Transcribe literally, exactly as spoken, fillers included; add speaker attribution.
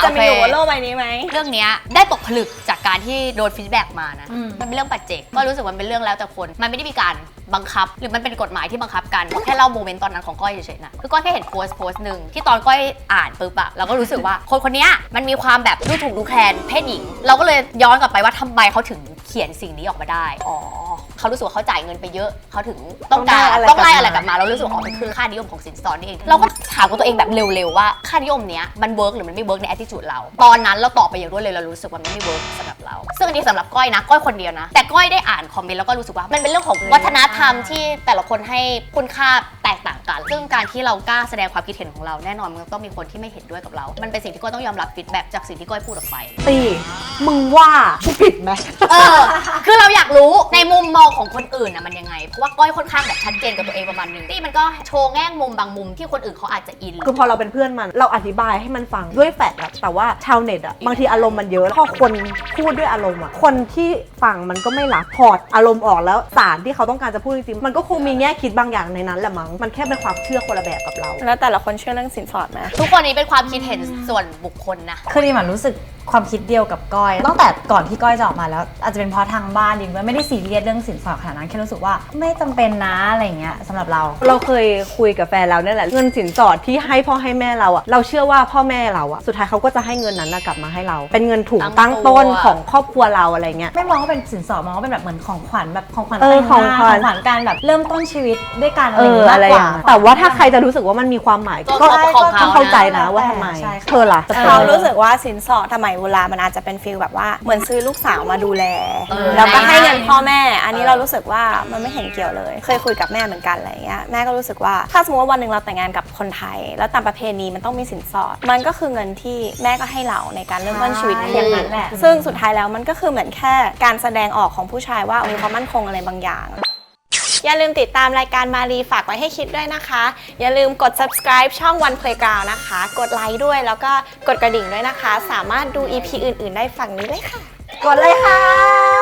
Speaker 1: จะมีอยู่บนโลกใบนี้ไหม
Speaker 2: เรื่องนี้ได้ตกผลึกจากการที่โดนฟีดแบ็กมานะมันเป็นเรื่องปัจเจกก็รู้สึกว่ามันเป็นเรื่องแล้วแต่คนมันไม่ได้มีการบังคับหรือมันเป็นกฎหมายที่บังคับกันแค่เล่าโมเมนต์ตอนนั้นของก้อยเฉยๆนะคือก้อยแค่เห็นโพสต์โพสต์หนึ่งที่ตอนก้อยอ่านปุ๊บอะเราก็รู้สึกว่าคนคนนี้มันมีความแบบดูถูกดูแคลนเพศหญิงเราก็เลยย้อนกลับไปว่าทำไมเขาถึงเขียนสิ่งนี้ออกมาได้อ๋อเขารู้สึกว่าเขาจ่ายเงินไปเยอะเขาถึงต้องการต้องไล่อะไรกลับมาเรารู้สึกว่าอ๋อมันคือค่านิยมของสินสอดนี่เองเราก็ถามกับตัวเองแบบเร็วๆว่าค่านิยมเนี้ยมันเวิร์กหรือมันไม่เวิร์กใน attitude เราตอนนั้นเราตอบไปอย่างรวดเร็วเรารู้สึกว่ามันไม่เวิร์กสำหรับเราซึ่งอันนี้สำหรับก้อยนะก้อยคนเดียวนะแต่ก้อยได้อ่านคอมเมนต์แล้วก็รู้สึกว่ามันเป็นเรื่องของวัฒนธรรมที่แต่ละคนให้คุณค่าแตกต่างกันซึ่งการที่เรากล้าแสดงความคิดเห็นของเราแน่นอนมันต้องมีคนที่ไม่เห็นด้วยกับเรามันเป็นสิ่งที่ก้อยต้องยอมรับฟีดแบ็กจากสิ่งที่ก้อยพูดออกไป
Speaker 3: ตีมึงว่ากูผิดไหม
Speaker 2: เออคือเราอยากรู้ในมุมมองของคนอื่นนะมันยังไงเพราะว่าก้อยค่อนข้างแบบชัดเจนกับตัวเองประมาณนึงที่มันก็โชว์แง่มุมบางมุมที่คนอื่นเขาอาจจะอิน
Speaker 3: คือพอเราเป็นเพื่อนมันเราอธิบายให้มันฟังด้วยแฟกต์อะแต่ว่าชาวเน็ตอะบางทีอารมณ์มันเยอะพอคนพูดด้วยอารมณ์อะคนที่ฟังมันก็ไม่รับพอร์ตอารมณ์ออกแล้วสารที่เขาต้องการจะพูดจริงๆมันก็คงมีแง่คิดบางอย่างในนั้นแหละมั้งมันแค่เป็นความเชื่อคนละแบบกับเรา
Speaker 1: แล้วแต่ละคนเชื่อเรื่องสินสอดไหม
Speaker 2: ทุกคนนี้เป็นความคิดเห็นส่วนบุคคลนะ
Speaker 4: คือดิมันรู้สึกความคิดเดียวกับก้อยตั้งแต่ก่อนที่ก้อยจะออกมาแล้วอาจจะเป็นเพราะทางบ้านดิไม่ได้ซีเรียสเรื่องสินสอดขนาดนั้นแค่รู้สึกว่าไม่จำเป็นนะอะไรเงี้ยสำหรับเรา
Speaker 3: เราเคยคุยกับแฟนเราเนี่ยแหละเงินสินสอดที่ให้พ่อให้แม่เราอะเราเชื่อว่าพ่อแม่เราอะสุดท้ายเขาก็จะให้เงินนั้นกลับมาให้เราเป็นเงินถุงตั้งต้นของครอบครัวเราอะไรเงี้ย
Speaker 4: ไม่มองว่าเป็นสินสอดมองว่าเป็นแบบเหมือนของขวัญแบบของขวัญ
Speaker 3: แต่งงานของข
Speaker 4: วัญการแบบเริ่มต้นชีวิตด้วยกันอะไรอย่างเงี้ยมากกว่า
Speaker 3: แต่ว่าถ้าใครจะรู้สึกว่ามันมีความหมายก็ต้องเข้าใจนะว่าทำไมเธอล่ะ
Speaker 1: เรารู้สึกว่าสินสอดสมัยโบราณมันอาจจะเป็นฟีลแบบว่าเหมือนซื้อลูกสาวมาดูแลแล้วก็ให้เงินพ่อแม่อันนี้เรารู้สึกว่ามันไม่เห็นเกี่ยวเลยเคยคุยกับแม่เหมือนกันอะไรเงี้ยแม่ก็รู้สึกว่าถ้าสมมติว่าวันหนึ่งเราแต่งงานกับคนไทยแล้วตามประเพณีมันต้องมีสินสอดมันก็คือเงินที่แม่ก็ให้เราในการเริ่มต้นชีวิต
Speaker 4: อย่างนั้นแหละ
Speaker 1: ซึ่งสุดท้ายแล้วมันก็คือเหมือนแค่การแสดงออกของผู้ชายว่ามีความมั่นคงอะไรบางอย่างอย่าลืมติดตามรายการมารีฝากไว้ให้คิดด้วยนะคะอย่าลืมกด subscribe ช่อง One Playground นะคะกดไลค์ด้วยแล้วก็กดกระดิ่งด้วยนะคะสามารถดู อี พี อื่นๆได้ฝั่งนี้เลยค่ะ
Speaker 3: กดเลยค่ะ